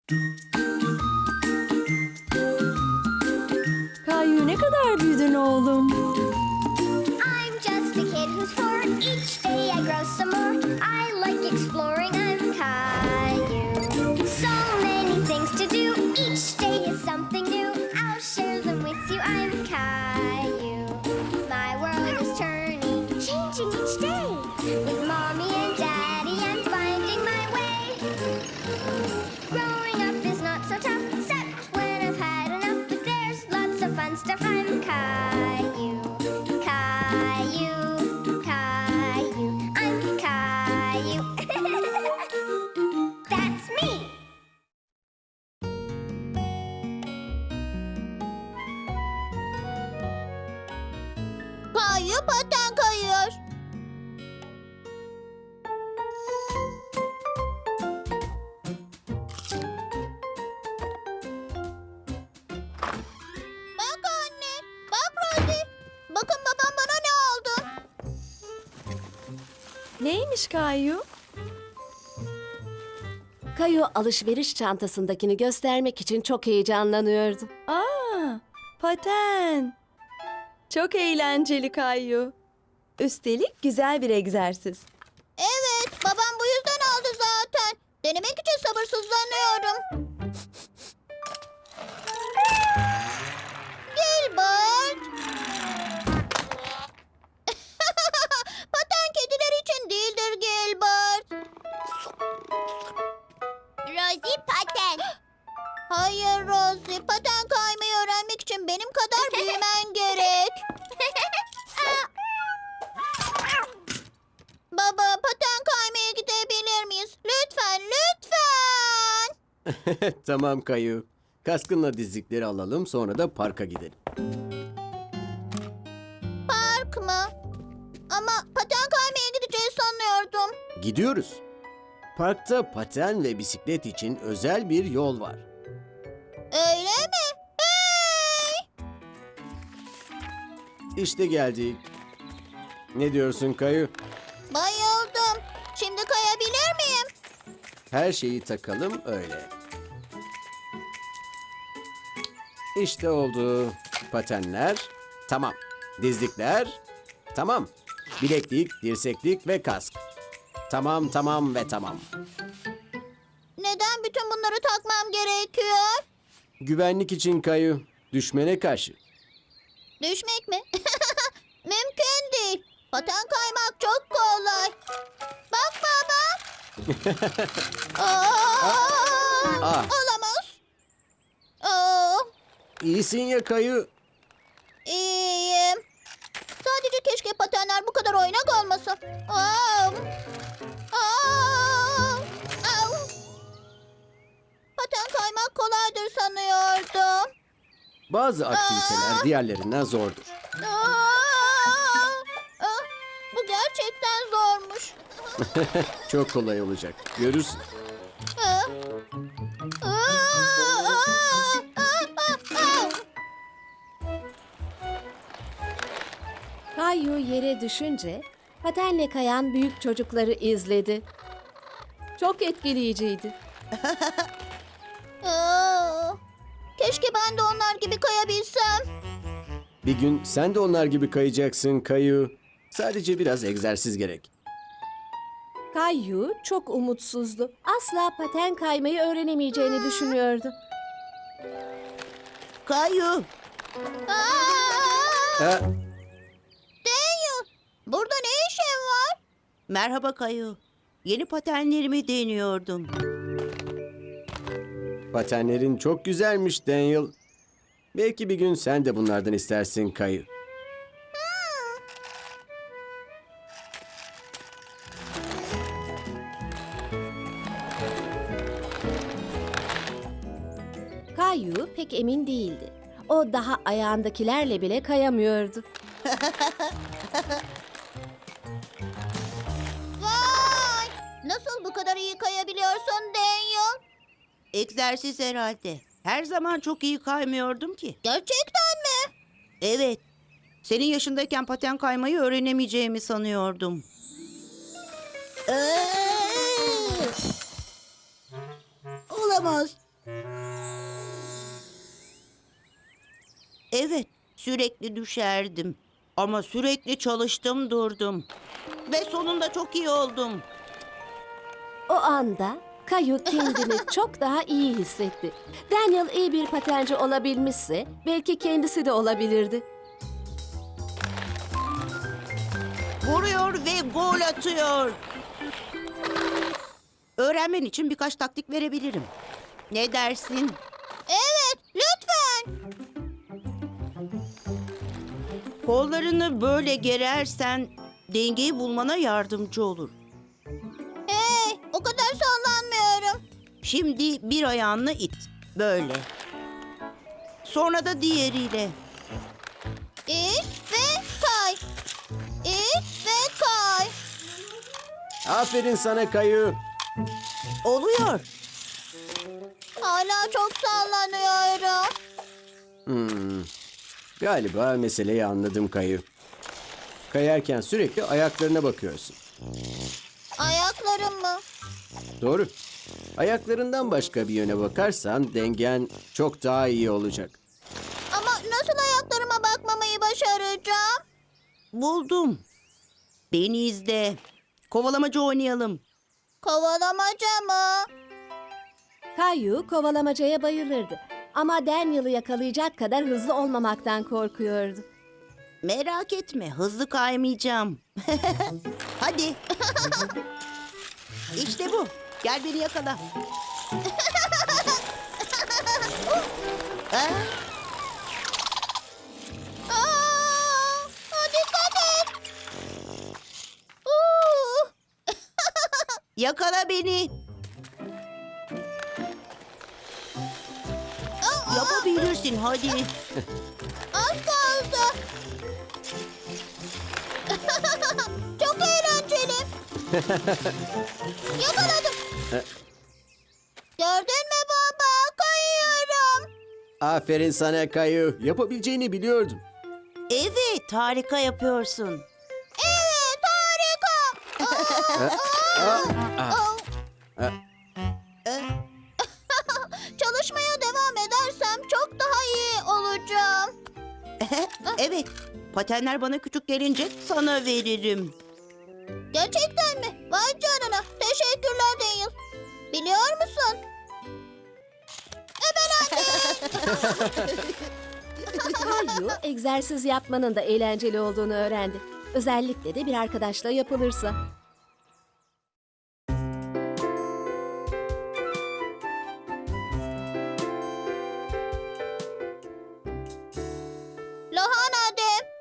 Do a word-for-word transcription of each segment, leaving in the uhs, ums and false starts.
Kayu ne kadar büyüdün oğlum? I'm just a kid who's four. Each day I grow some more. I like exploring. I'm Caillou. So many things to do. Each day is something new. I'll share them with you. I'm Caillou. My world is turning, changing each day. With mommy and daddy, I'm finding my way. Growing up is not so tough, except when I've had enough. But there's lots of fun stuff. I'm Caillou. Caillou, Caillou, I'm Caillou. That's me. Kayu paten kayıyor. Bak anne, bak Rosie. Bakın babam bana ne aldı. Neymiş Kayu? Kayu alışveriş çantasındakini göstermek için çok heyecanlanıyordu. Aa, paten. Çok eğlenceli Kayu. Üstelik güzel bir egzersiz. Evet, babam bu yüzden aldı zaten. Denemek için sabırsızlanıyorum. Gilbert. Paten kediler için değildir Gilbert. Rosie paten. Hayır Rosie, paten kaymayı öğrenmek için benim kadar büyümen gerek. Baba, paten kaymaya gidebilir miyiz? Lütfen, lütfen. Tamam Kayu. Kaskınla dizlikleri alalım, sonra da parka gidelim. Park mı? Ama paten kaymaya gideceğiz sanıyordum. Gidiyoruz. Parkta paten ve bisiklet için özel bir yol var. Öyle mi? Hey! İşte geldik. Ne diyorsun Kayu? Bayıldım. Şimdi kayabilir miyim? Her şeyi takalım öyle. İşte oldu. Patenler. Tamam. Dizlikler. Tamam. Bileklik, dirseklik ve kask. Tamam, tamam ve tamam. Neden bütün bunları takmam gerekiyor? Güvenlik için Kayu. Düşmene karşı. Düşmek mi? Mümkün değil. Paten kaymak çok kolay. Bak baba. Aa, Ah. Olamaz. Aa, İyisin ya Kayu. iyiyim. Sadece keşke patenler bu kadar oynak olmasa. Aa, aa, au. Paten kaymak kolaydır sanıyordum. Bazı aktiviteler diğerlerinden zordur. Aa, aa, bu gerçekten zormuş. Çok kolay olacak. Görürsün. Aa, aa, aa, aa, aa. Kayu yere düşünce patenle kayan büyük çocukları izledi. Çok etkileyiciydi. Aa, keşke ben de onlar gibi kayabilsem. Bir gün sen de onlar gibi kayacaksın Kayu. Sadece biraz egzersiz gerek. Kayu çok umutsuzdu. Asla paten kaymayı öğrenemeyeceğini düşünüyordu. Kayu, Aa, Ha, Daniel, burada ne işin var? merhaba Kayu. Yeni patenlerimi deniyordum. patenlerin çok güzelmiş Daniel. Belki bir gün sen de bunlardan istersin Kayu. Kayu pek emin değildi. O daha ayağındakilerle bile kayamıyordu. Vay! Nasıl bu kadar iyi kayabiliyorsun Daniel? Egzersiz herhalde. Her zaman çok iyi kaymıyordum ki. Gerçekten mi? Evet. Senin yaşındayken paten kaymayı öğrenemeyeceğimi sanıyordum. Ee, Olamaz. Evet, sürekli düşerdim. Ama sürekli çalıştım durdum. Ve sonunda çok iyi oldum. O anda Kayu kendini çok daha iyi hissetti. Daniel iyi bir patenci olabilmişse belki kendisi de olabilirdi. Vuruyor ve gol atıyor. Öğrenmen için birkaç taktik verebilirim. Ne dersin? Evet, lütfen. Kollarını böyle gerersen dengeyi bulmana yardımcı olur. Hey, o kadar sallanmıyorum. Şimdi bir ayağını it. Böyle. Sonra da diğeriyle. İt ve kay. İt ve kay. Aferin sana Kayu. Oluyor. Hala çok sallanıyorum. Hmm. Galiba meseleyi anladım Kayu. Kayarken sürekli ayaklarına bakıyorsun. Ayaklarım mı? Doğru. Ayaklarından başka bir yöne bakarsan dengen çok daha iyi olacak. Ama nasıl ayaklarıma bakmamayı başaracağım? Buldum. Beni izle. Kovalamacı oynayalım. Kovalamaca mı? Kayu kovalamacaya bayılırdı. Ama Daniel'ı yakalayacak kadar hızlı olmamaktan korkuyordu. Merak etme, hızlı kaymayacağım. Hadi. İşte bu. Gel beni yakala. Aa, Aa, dikkat et. Uu, yakala beni. Yapabilirsin, hadi. az kaldı. Çok eğlenceli. Yakaladım. Gördün mü baba? Kayıyorum. Aferin sana Kayu. Yapabileceğini biliyordum. Evet, harika yapıyorsun. Evet, harika. Ah, ah. Çalışmaya devam edersem çok daha iyi olacağım. Evet, patenler bana küçük gelince sana veririm. Gerçekten mi? Vay canına. Teşekkürler Daniel. Biliyor musun? Kayu egzersiz yapmanın da eğlenceli olduğunu öğrendi. Özellikle de bir arkadaşla yapılırsa. Lahana de.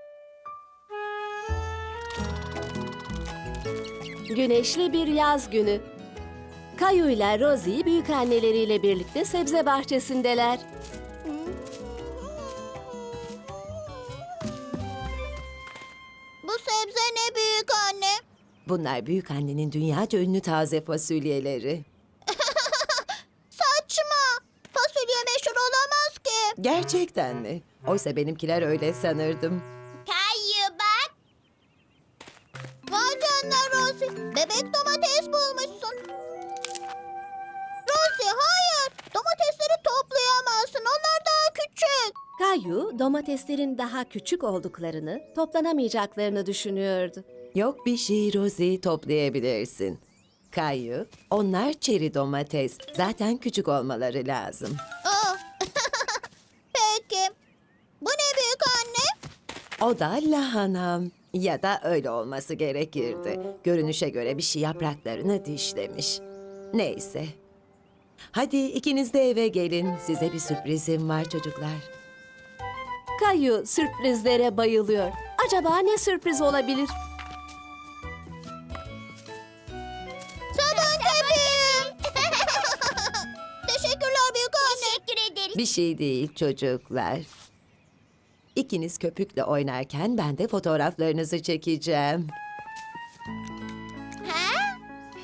Güneşli bir yaz günü. Kayu ile Rosie büyükanneleriyle birlikte sebze bahçesindeler. Bu sebze ne büyük anne? Bunlar büyük annenin dünyaca ünlü taze fasulyeleri. Saçma. Fasulye meşhur olamaz ki. Gerçekten mi? Oysa benimkiler öyle sanırdım. Kayı bak. Vay canına Rosie. Bebek domates bulmuşsun. Rosie hayır. Domatesleri toplayamazsın. Onlar daha küçük. Kayu domateslerin daha küçük olduklarını, toplanamayacaklarını düşünüyordu. Yok bir şey Rosie, toplayabilirsin. Kayu, onlar çeri domates. Zaten küçük olmaları lazım. Aa. Peki. Bu ne büyük anne? O da lahanam. Ya da öyle olması gerekirdi. Görünüşe göre bir şey yapraklarını dişlemiş. Neyse. Hadi ikiniz de eve gelin. Size bir sürprizim var çocuklar. Kayu sürprizlere bayılıyor. Acaba ne sürpriz olabilir? Sabun köpüğüm. Teşekkürler büyük anne. Teşekkür ederiz. Bir şey değil çocuklar. İkiniz köpükle oynarken ben de fotoğraflarınızı çekeceğim. Ha?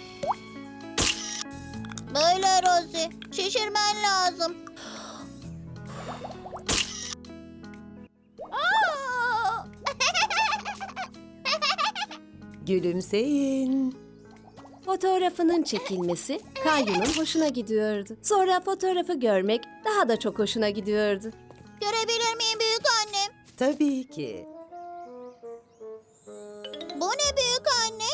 Böyle Rosie. Şişirmen lazım. Gülümseyin. Fotoğrafının çekilmesi Kayu'nun hoşuna gidiyordu. Sonra fotoğrafı görmek daha da çok hoşuna gidiyordu. Görebilir miyim büyük annem? Tabii ki. Bu ne büyük anne?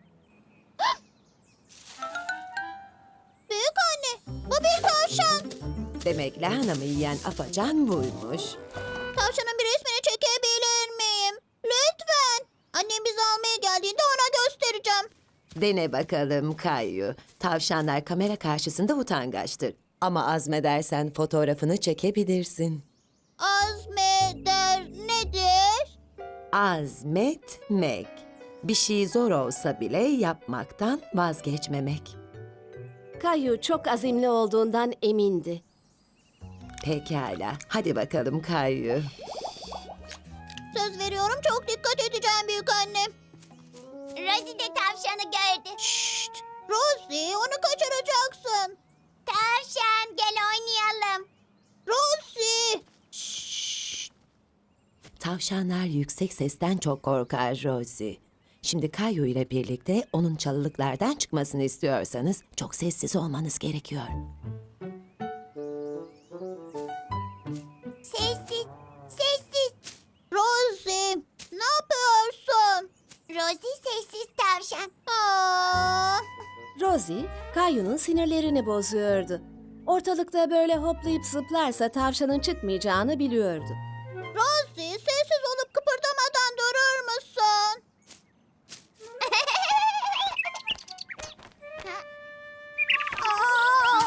Büyük anne, bu bir tavşan. Demek lahanamı yiyen afacan buymuş. Tavşanın bir resmini çekebilir miyim? Lütfen. Annem bizi almaya geldiğinde ona göstereceğim. Dene bakalım Kayu. Tavşanlar kamera karşısında utangaçtır. Ama azmedersen fotoğrafını çekebilirsin. Azmeder nedir? Azmetmek. Bir şey zor olsa bile yapmaktan vazgeçmemek. Kayu çok azimli olduğundan emindi. Pekala. Hadi bakalım Kayu. Söz veriyorum çok dikkat edeceğim büyük annem. Rosie de tavşanı gördü. Şşt! Rosie onu kaçıracaksın. Tavşan gel oynayalım. Rosie! Şşt! Tavşanlar yüksek sesten çok korkar Rosie. Şimdi Kayu ile birlikte onun çalılıklardan çıkmasını istiyorsanız çok sessiz olmanız gerekiyor. Sessiz, sessiz. Rosie, ne yapıyorsun? Rosie sessiz tavşan. Aa, Rosie, Kayu'nun sinirlerini bozuyordu. Ortalıkta böyle hoplayıp zıplarsa tavşanın çıkmayacağını biliyordu. Rosie, sessiz olup kıpırdamadan durur musun? Aa!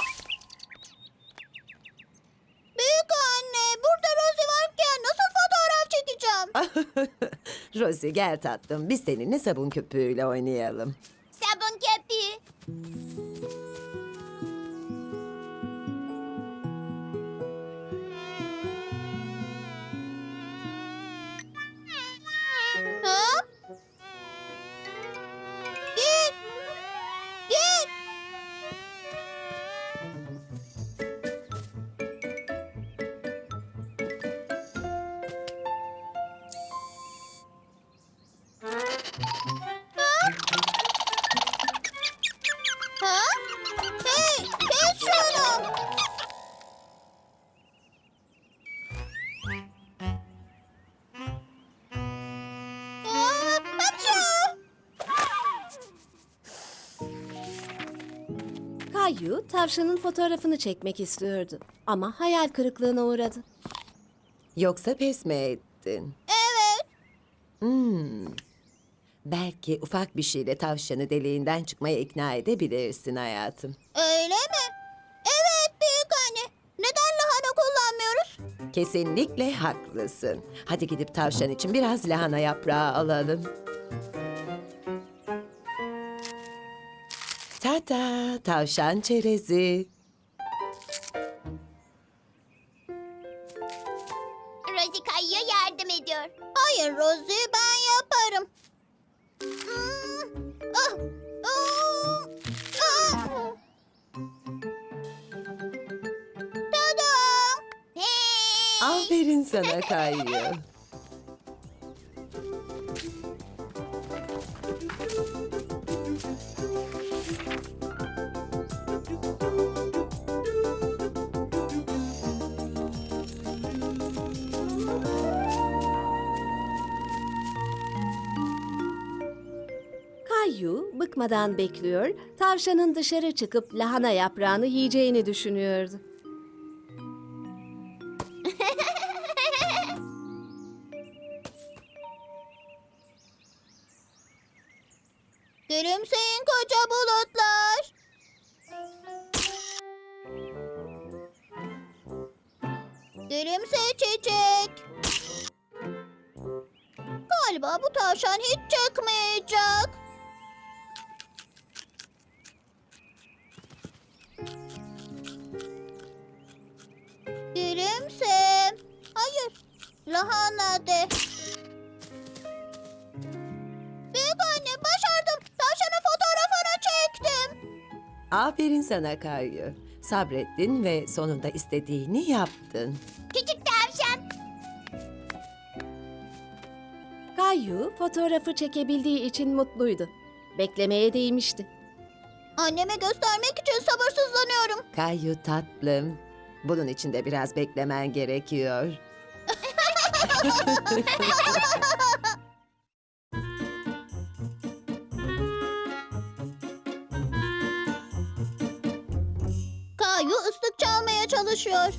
Büyük anne, burada Rosie varken nasıl fotoğraf çekeceğim? Rosie gel tatlım, biz seninle sabun köpüğüyle oynayalım. Sabun köpüğü. Ha? Git. Git. Ha? Hey, kes şunu. Aa, hapşu. Kayu, tavşanın fotoğrafını çekmek istiyordu. Ama hayal kırıklığına uğradı. Yoksa pes mi ettin? Evet. Hmm. Belki ufak bir şeyle tavşanı deliğinden çıkmaya ikna edebilirsin hayatım. Öyle mi? Evet büyük anne. Neden lahana kullanmıyoruz? Kesinlikle haklısın. Hadi gidip tavşan için biraz lahana yaprağı alalım. Tata, tavşan çerezi. Rosie kayıyor yardım ediyor. Hayır Rosie ben yaparım. Hmm. Ah, ah, ah. Tadam. Hey. Aferin sana Kayu. Kayu bıkmadan bekliyor, tavşanın dışarı çıkıp lahana yaprağını yiyeceğini düşünüyordu. Gülümseyin koca bulutlar. Gülümse çiçek. Galiba bu tavşan hiç çıkmayacak. Gülümse. Hayır. Lahana de. Büyük anne başardım. Tavşanın fotoğrafını çektim. Aferin sana Kayu. Sabrettin ve sonunda istediğini yaptın. Küçük tavşan. Kayu fotoğrafı çekebildiği için mutluydu. Beklemeye değmişti. Anneme göstermek için sabırsızlanıyorum. Kayu tatlım. Bunun için de biraz beklemen gerekiyor. Kayu ıslık çalmaya çalışıyor.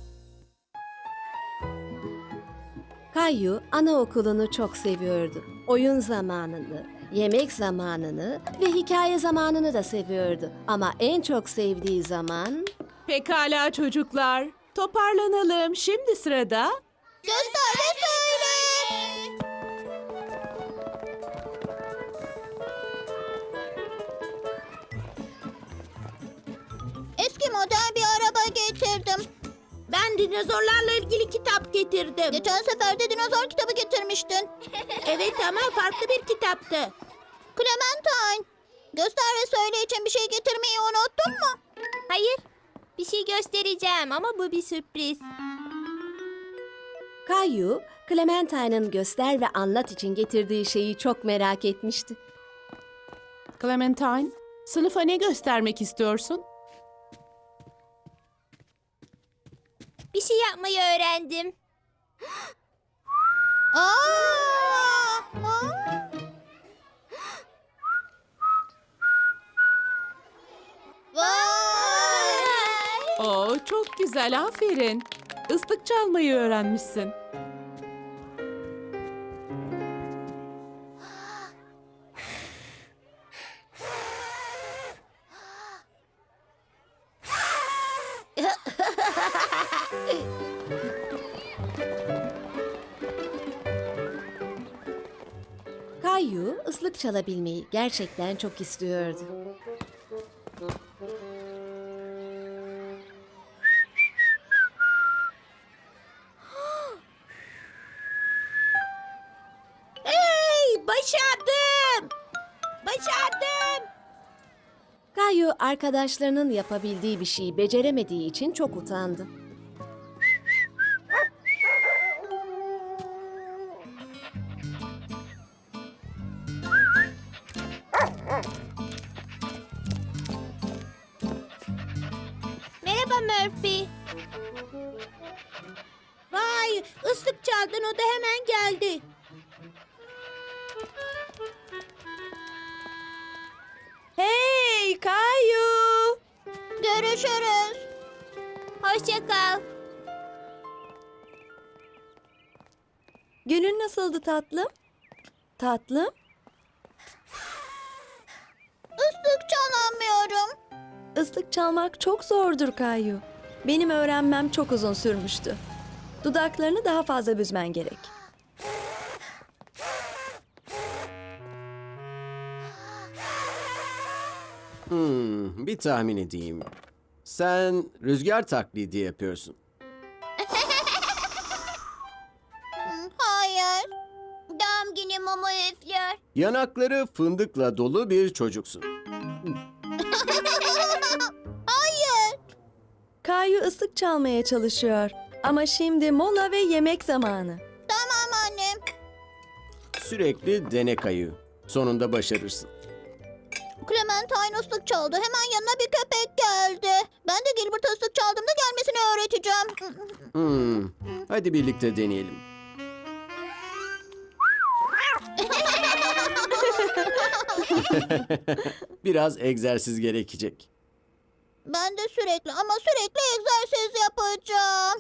Kayu anaokulunu çok seviyordu. Oyun zamanını, yemek zamanını ve hikaye zamanını da seviyordu. Ama en çok sevdiği zaman... Pekala çocuklar, toparlanalım. Şimdi sırada Göster ve söyle. Eski model bir araba getirdim. Ben dinozorlarla ilgili kitap getirdim. Geçen sefer de dinozor kitabı getirmiştin. Evet ama farklı bir kitaptı. Clementine, göster ve söyle için bir şey getirmeyi unuttun mu? Hayır. Bir şey göstereceğim ama bu bir sürpriz. Kayu, Clementine'ın göster ve anlat için getirdiği şeyi çok merak etmişti. Clementine, sınıfa ne göstermek istiyorsun? Bir şey yapmayı öğrendim. Aa! Aa! Vay! Oo, çok güzel, aferin. Islık çalmayı öğrenmişsin. Kayu, ıslık çalabilmeyi gerçekten çok istiyordu. Hey, başardım. Başardım. Kayu, arkadaşlarının yapabildiği bir şeyi beceremediği için çok utandı. Merhaba Murphy. Vay, ıslık çaldın, o da hemen geldi. Hey Kayu! Görüşürüz. Hoşça kal. Günün nasıldı tatlım? Tatlım? Islık çalamıyorum. Islık çalmak çok zordur Kayu. Benim öğrenmem çok uzun sürmüştü. Dudaklarını daha fazla büzmen gerek. Hmm, bir tahmin edeyim. Sen rüzgar taklidi yapıyorsun. Hı, hayır. Doğum günü mumu üflüyor. Yanakları fındıkla dolu bir çocuksun. Hayır. Kayu ıslık çalmaya çalışıyor. Ama şimdi mola ve yemek zamanı. Tamam annem. Sürekli dene Kayu. Sonunda başarırsın. Clementine ıslık çaldı. Hemen yanına bir köpek geldi. Ben de Gilbert ıslık çaldığımda gelmesini öğreteceğim. Hmm, hadi birlikte deneyelim. Biraz egzersiz gerekecek. Ben de sürekli ama sürekli egzersiz yapacağım.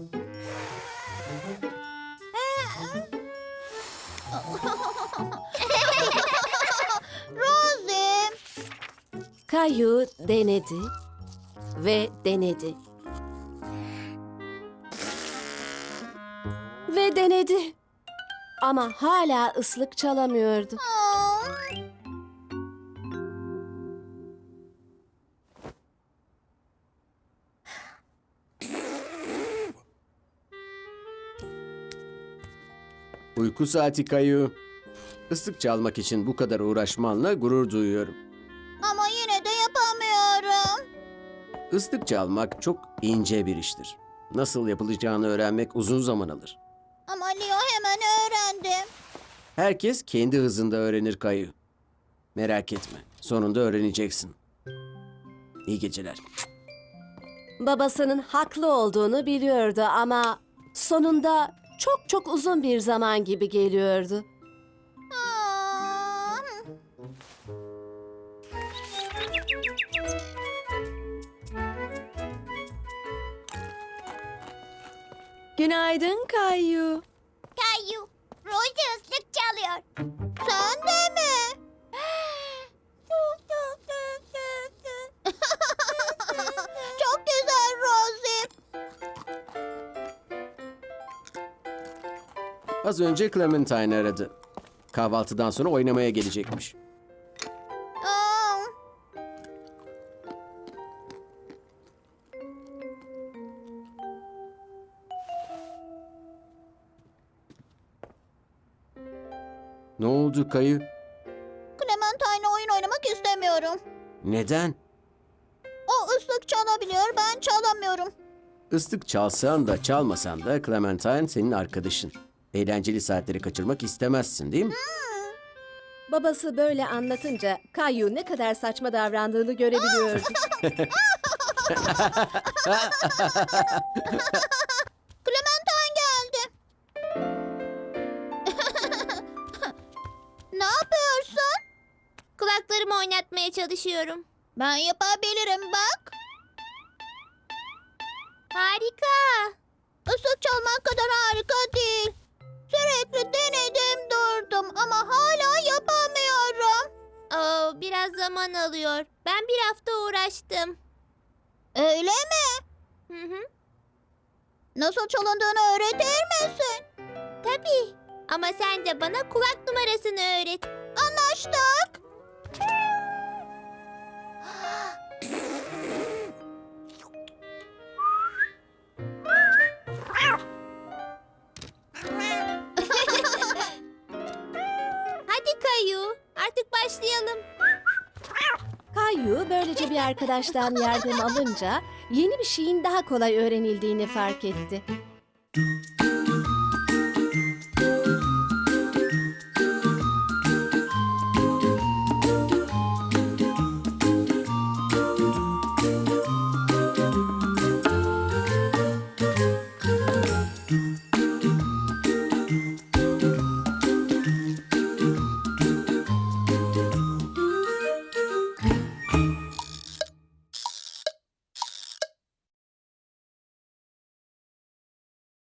Rosie. Kayu denedi ve denedi. Ve denedi. Ama hala ıslık çalamıyordu. Aa. Uyku saati Kayu. Islık çalmak için bu kadar uğraşmanla gurur duyuyorum. Ama yine de yapamıyorum. Islık çalmak çok ince bir iştir. Nasıl yapılacağını öğrenmek uzun zaman alır. Ama Leo hemen öğrendi. Herkes kendi hızında öğrenir Kayu. Merak etme, sonunda öğreneceksin. İyi geceler. Babasının haklı olduğunu biliyordu ama sonunda çok çok uzun bir zaman gibi geliyordu. Aa, Günaydın Kayu. Kayu, Rosie ıslık çalıyor. sen de mi? Çok güzel Rosie. Az önce Clementine aradı. Kahvaltıdan sonra oynamaya gelecekmiş. Aa, Ne oldu Kayu? Clementine'le oyun oynamak istemiyorum. Neden? O ıslık çalabiliyor, ben çalamıyorum. Islık çalsan da çalmasan da Clementine senin arkadaşın. Eğlenceli saatleri kaçırmak istemezsin değil mi? Babası böyle anlatınca Kayu ne kadar saçma davrandığını görebiliyordu. Clementine geldi. Ne yapıyorsun? Kulaklarımı oynatmaya çalışıyorum. Ben yapabilirim bak. Harika. Islık çalmak kadar harika değil. Sürekli denedim durdum ama hala yapamıyorum. Oo, biraz zaman alıyor. Ben bir hafta uğraştım. Öyle mi? Hı hı. Nasıl çalındığını öğretir misin? Tabii. Ama sen de bana kulak numarasını öğret. Anlaştık. Hadi Kayu, artık başlayalım. Kayu böylece bir arkadaştan yardım alınca yeni bir şeyin daha kolay öğrenildiğini fark etti.